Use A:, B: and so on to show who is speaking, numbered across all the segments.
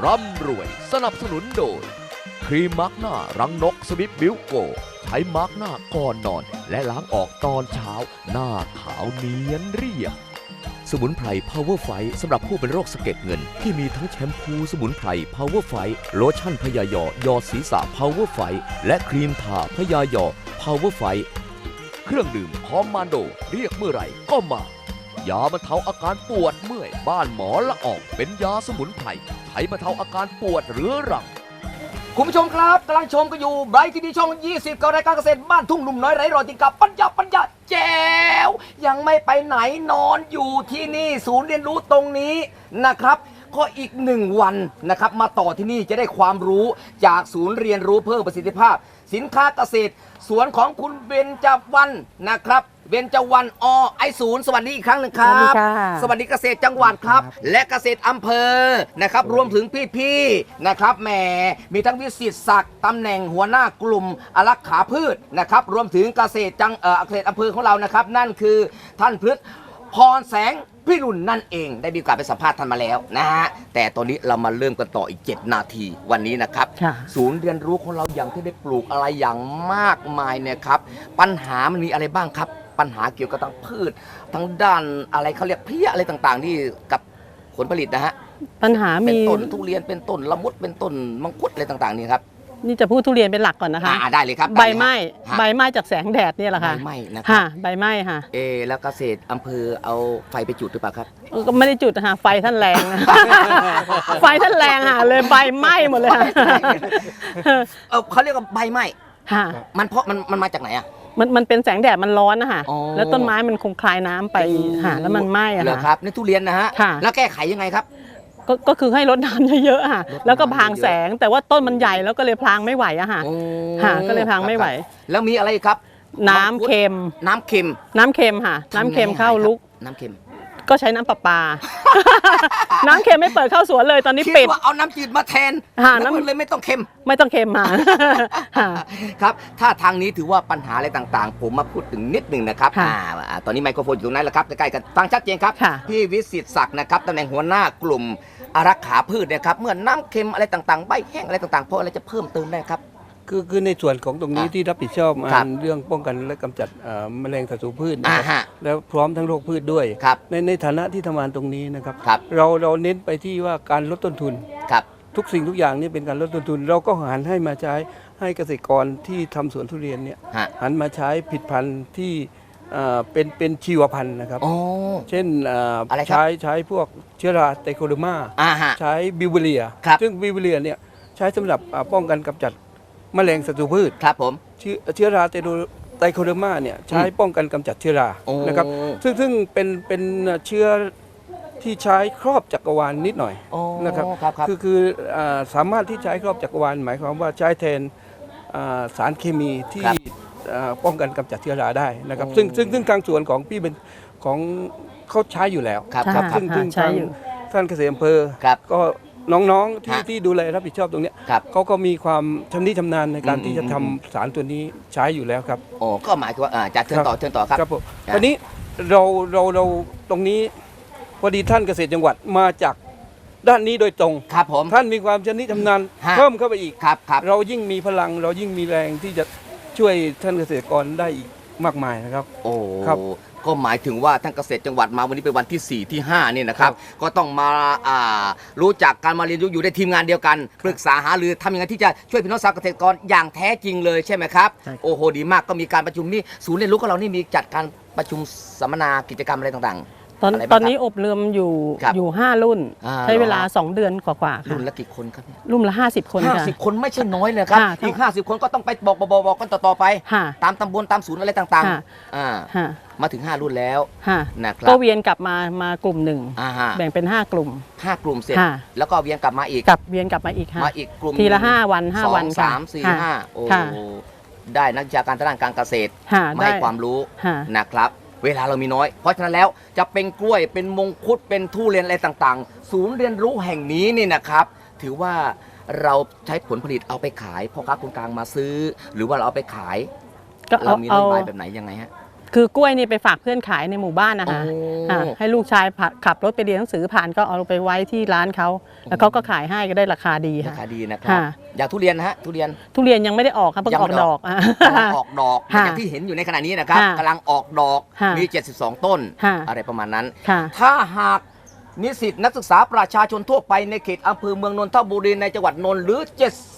A: ร่ำรวยสนับสนุนโดยครีมมาร์กหน้ารังนกสวิฟบิวโกใช้มาร์กหน้าก่อนนอนและล้างออกตอนเช้าหน้าขาวเนียนเรียบสมุนไพร Power Fight สำหรับผู้เป็นโรคสะเก็ดเงินที่มีทั้งแชมพูสมุนไพร Power Fight โลชั่นพยายอยอดศีรษะ Power Fight และครีมทาพยายอ Power Fight เครื่องดื่มคอมมานโดเรียกเมื่อไหร่ก็มายาบรรเทาอาการปวดเมื่อยบ้านหมอละอองเป็นยาสมุนไพรใช้บรรเทาอาการปวดเรื้อรังคุณผู้ชมครับกำลังชมกันอยู่ไบรท์ทีวีช่อง 20 กับรายการเกษตรบ้านทุ่งหนุ่มน้อยไร้รอยติดกับปัญญาแจ๋วยังไม่ไปไหนนอนอยู่ที่นี่ศูนย์เรียนรู้ตรงนี้นะครับก็อีก1 วันนะครับมาต่อที่นี่จะได้ความรู้จากศูนย์เรียนรู้เพิ่มประสิทธิภาพสินค้าเกษตรสวนของคุณเบญจวรรณนะครับเบญจวรรณไอศูนย์สวัสดีอีกครั้งหนึ่งครับสวัสดีเกษตรจังหวัดครับและเกษตรอำเภอนะครับรวมถึงพี่ๆนะครับแหมมีทั้งวิสิตศักดิ์ตำแหน่งหัวหน้ากลุ่มอารักขาพืชนะครับรวมถึงเกษตรเกษตรอำเภอของเรานะครับนั่นคือท่านพฤษพรแสงพี่รุ่นนั่นเองได้มีโอกาสไปสัมภาษณ์ท่านมาแล้วนะฮะแต่ตอนนี้เรามาเริ่มกันต่ออีก7 นาทีวันนี้นะครับศูนย์เรียนรู้ของเราอย่างที่ได้ปลูกอะไรอย่างมากมายเนี่ยครับปัญหามันมีอะไรบ้างครับปัญหาเกี่ยวกับทางพืชทางด้านอะไรเขาเรียกเพี้ยอะไรต่างๆที่กับผลผลิตนะฮะ
B: ปัญหามี
A: เป็นต้นทุเรียนเป็นต้นละมุดเป็นต้นมังคุดอะไรต่างๆนี่ครับ
B: นี่จะพูดทุเรียนเป็นหลักก่อนนะคะ
A: ได้เลยครับ
B: ใบไม้จากแสงแดดนี่แหละค่ะ
A: ใบไม้นะครับ
B: ใบไม้ค่ะ
A: แล้วเกษตรอำเภอเอาไฟไปจุดหรือเปล่าครับ
B: ก็ไม่ได้จุดนะคะไฟท่านแรงนะไฟท่านแรงค่ะเลยใบไหม้หมดเลย
A: เขาเรียกว่าใบไม้มันเพราะมันมาจากไหนอ่ะ
B: มันเป็นแสงแดดมันร้อนนะคะแล้วต้นไม้มันคงคลายน้ำไปแล้วมันไหม้อะ
A: ค่ะครับนี่ทุเรียนนะฮะแล้วแก้ไขยังไงครับ
B: ก็คือให้รดน้ำเยอะๆค่ะแล้วก็พรางแสงแต่ว่าต้นมันใหญ่แล้วก็เลยพรางไม่ไหวอะค่ะก็เลยพรางไม่ไหว
A: แล้วมีอะไรครับ
B: น้ำเค็มค่ะน้ำเค็มเข้าลุก
A: น้ำเค็ม
B: ก็ใช้น้ำประปาน้ำเค็มไม่เปิดเข้าสวนเลยตอนนี้ปิด
A: ว่าเอาน้ำจืดมาแทนน้ำเลยไม่ต้องเค็ม
B: มา
A: ครับถ้าทางนี้ถือว่าปัญหาอะไรต่างๆผมมาพูดถึงนิดหนึ่งนะครับตอนนี้ไมโครโฟนอยู่ตรงนั้นแล้วครับใกล้ๆกันฟังชัดเจนครับพี่วิสิตศักดิ์นะครับตำแหน่งหัวหน้ากลุ่มอารักขาพืชนะครับเมื่อน้ำเค็มอะไรต่างๆใบแห้งอะไรต่างๆเพราะอะไรจะเพิ่มเติมได้ครับ
C: คือในส่วนของตรงนี้ที่รับผิดชอบเรื่องป้องกันและกำจัดแมลงศัตรูพืชนะครับแล้วพร้อมทั้งโรคพืชด้วยในฐานะที่ทำงานตรงนี้นะครับเราเน้นไปที่ว่าการลดต้นทุนทุกสิ่งทุกอย่างนี่เป็นการลดต้นทุนเราก็หันให้มาใช้ให้เกษตรกรที่ทำสวนทุเรียนเนี่ยหันมาใช้ผลิตภัณฑ์ที่เป็นชีวพันธุ์นะครับเช่นใช้พวกเชื้อราไตโคเดอร์มาใช้บิวเวเรียซึ่งบิวเวเรียเนี่ยใช้สำหรับป้องกันกำจัดแมลงศัตรูพืช
A: ครับผม
C: เชื้อราไตโคเดอร์มาเนี่ยใช้ป้องกันกำจัดเชื้อรานะครับซึ่งเป็นเชื้อที่ใช้ครอบจักรวาลนิดหน่อยนะครับคือสามารถที่ใช้ครอบจักรวาลหมายความว่าใช้แทนสารเคมีที่ป้องกันกำจัดเชื้อราได้นะครับซึ่งทางส่วนของพี่เป็นของเขาใช้อยู่แล้วซึ่งท่านเกษตรอำเภอก็น้องๆที่ดูแลรับผิดชอบตรงนี้เขาก็มีความชำนิชำนาญในการที่จะทำสารตัวนี้ใช้อยู่แล้วครับ
A: ก็หมายถึงว่าจะเชิญต่อครับ
C: ครับผมตอนนี้เราตรงนี้พอดีท่านเกษตรจังหวัดมาจากด้านนี้โดยตรง
A: ครับผม
C: ท่านมีความชำนิชำนาญเพิ่มเข้าไปอีกเรายิ่งมีพลังเรายิ่งมีแรงที่จะช่วยท่านเกษตรกรได้อีกมากมายนะครับ
A: ครับก็หมายถึงว่าท่านเกษตรจังหวัดมาวันนี้เป็นวันที่4ที่5นี่นะครับก็ต้องมารู้จักการมาเรียนรู้อยู่ในทีมงานเดียวกันปรึกษาหารือทำยังไงที่จะช่วยพี่น้องชาวเกษตรกรอย่างแท้จริงเลยใช่ไหมครับโอ้โหดีมากก็มีการประชุมนี่ศูนย์เรียนรู้ของเรานี่มีจัดการประชุมสัมมนากิจกรรมอะไรต่างๆ
B: ตอนนี้อบรมอยู่5 รุ่นใช้เวลา2 เดือนกว่าๆค่ะ
A: รุ่นละกี่คนครับ
B: รุ่นละ50 คนค่ะ
A: 50 คนไม่ใช่น้อยเลยครับอีก50 คนก็ต้องไปบอกกันต่อไปตามตำบลตามศูนย์อะไรต่างๆมาถึง5 รุ่นแล้ว
B: นะครับก็เวียนกลับมากลุ่มหนึ่งแบ่งเป็น5 กลุ่ม
A: เสร็จแล้วก็เวียนกลับมาอีก
B: มาอีกกลุ่มทีละ5 วัน5 วัน
A: 2 3 4 5โอ้ได้นักวิชาการทางด้านการเกษตรมาให้ความรู้นะครับเวลาเรามีน้อยเพราะฉะนั้นแล้วจะเป็นกล้วยเป็นมงคุดเป็นทุเรียนอะไรต่างๆศูนย์เรียนรู้แห่งนี้นี่นะครับถือว่าเราใช้ผลผลิตเอาไปขายพ่อค้าคนกลางมาซื้อหรือว่าเราเอาไปขายเรามีนโยบายแบบไหนยังไงฮะ
B: คือกล้วยนี่ไปฝากเพื่อนขายในหมู่บ้านนะคะให้ลูกชายขับรถไปเรียนหนังสือผ่านก็เอาไปไว้ที่ร้านเขาแล้วเขาก็ขายให้ก็ได้ราคาดี
D: รา
B: ค่ะ
D: คาดีนะครับอยากทุเรียนนะฮะทุเรียน
B: ยังไม่ได้ออกครับเพิ่งออกดอก
D: กำลังออกดอกอย่างที่เห็นอยู่ในขณะนี้นะครับกำลังออกดอกมี72ต้นอะไรประมาณนั้นถ้าหากนิสิตนักศึกษาประชาชนทั่วไปในเขตอำเภอเมืองนนทบุรีในจังหวัดนนท์หรือ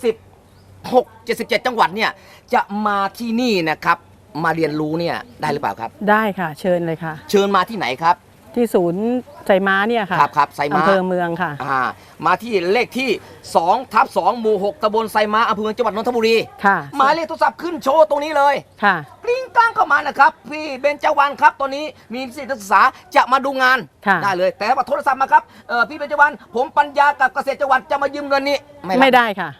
D: 77 จังหวัดเนี่ยจะมาที่นี่นะครับมาเรียนรู้เนี่ยได้หรือเปล่าครับ
B: ได้ค่ะเชิญเลยค่ะ
D: เชิญมาที่ไหนครับ
B: ที่ศูนย์ไซม้าเนี่ยค่ะ
D: ครับไซม้า
B: อำเภอเมืองค่ะ
D: มาที่เลขที่2/2 หมู่ 6ตำบลไซม้าอำเภอเมืองจังหวัดนนทบุรี
B: ค่ะ
D: หมายเลขโทรศัพท์ขึ้นโชว์ตรงนี้เลย
B: ค่ะ
D: กลิ้งกลางเข้ามานะครับพี่เบญจวรรณครับตอนนี้มีนิสิตนักศึกษาจะมาดูงาน
B: ค่ะ
D: ได้เลย แต่ว่าโทรศัพท์มาครับพี่เบญจวรรณผมปัญญากับเกษตรจังหวัดจะมายืมเงินนี้รับ
B: ไม่ได้ค่ะ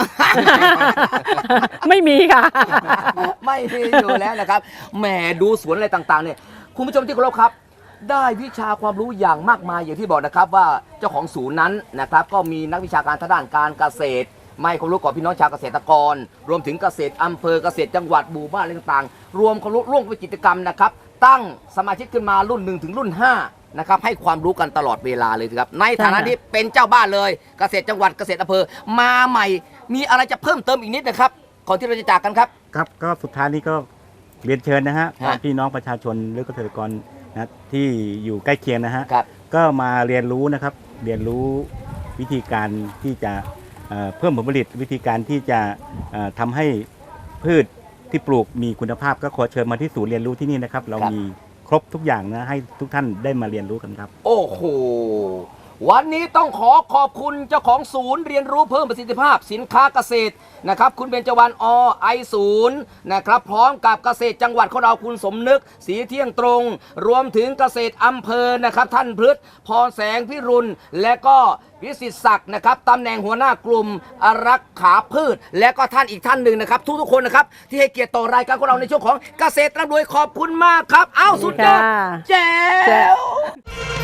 B: ไม่มีค่ะ
D: ไม่มีอยู่แล้วนะครับแหมดูสวนอะไรต่างๆเนี่ยคุณผู้ชมที่เคารพครับได้วิชาความรู้อย่างมากมายอย่างที่บอกนะครับว่าเจ้าของศูนย์นั้นนะครับก็มีนักวิชาการทางด้านการเกษตรไม่ความรู้กับพี่น้องชาวเกษตรกรรวมถึงเกษตรอำเภอเกษตรจังหวัดหมู่บ้านอะไรต่างๆรวมความรู้ร่วมกิจกรรมนะครับตั้งสมาชิกขึ้นมารุ่น1ถึงรุ่น5นะครับให้ความรู้กันตลอดเวลาเลยครับในฐานะที่เป็นเจ้าบ้านเลยเกษตรจังหวัดเกษตรอำเภอมาใหม่มีอะไรจะเพิ่มเติมอีกนิดนะครับก่อนที่เราจะจากกันครับ
E: ครับก็สุดท้ายนี้ก็เรียนเชิญนะฮะพี่น้องประชาชนหรือเกษตรกรนะที่อยู่ใกล้เคียงนะฮะก็มาเรียนรู้นะครับเรียนรู้วิธีการที่จะเพิ่มผลผลิตวิธีการที่จะทำให้พืชที่ปลูกมีคุณภาพก็ขอเชิญมาที่ศูนย์เรียนรู้ที่นี่นะครับเรามีครบทุกอย่างนะให้ทุกท่านได้มาเรียนรู้กันครับ
D: โอ้โหวันนี้ต้องขอบคุณเจ้าของศูนย์เรียนรู้เพิ่มประสิทธิภาพสินค้าเกษตรนะครับคุณเบญจวรรณไอศูนย์นะครับพร้อมกับเกษตรจังหวัดของเราคุณสมนึกสีเที่ยงตรง รวมถึงเกษตรอำเภอนะครับท่านพฤษพรแสงพิรุณและก็วิสิตศักดิ์นะครับตำแหน่งหัวหน้ากลุ่มรักขาพืชและก็ท่านอีกท่านหนึ่งนะครับทุกๆคนนะครับที่ให้เกียรติต่อรายการของเราในช่วงของเกษตรร่ำรวยขอบคุณมากครับอ้าวสุดยอดแจ๋ว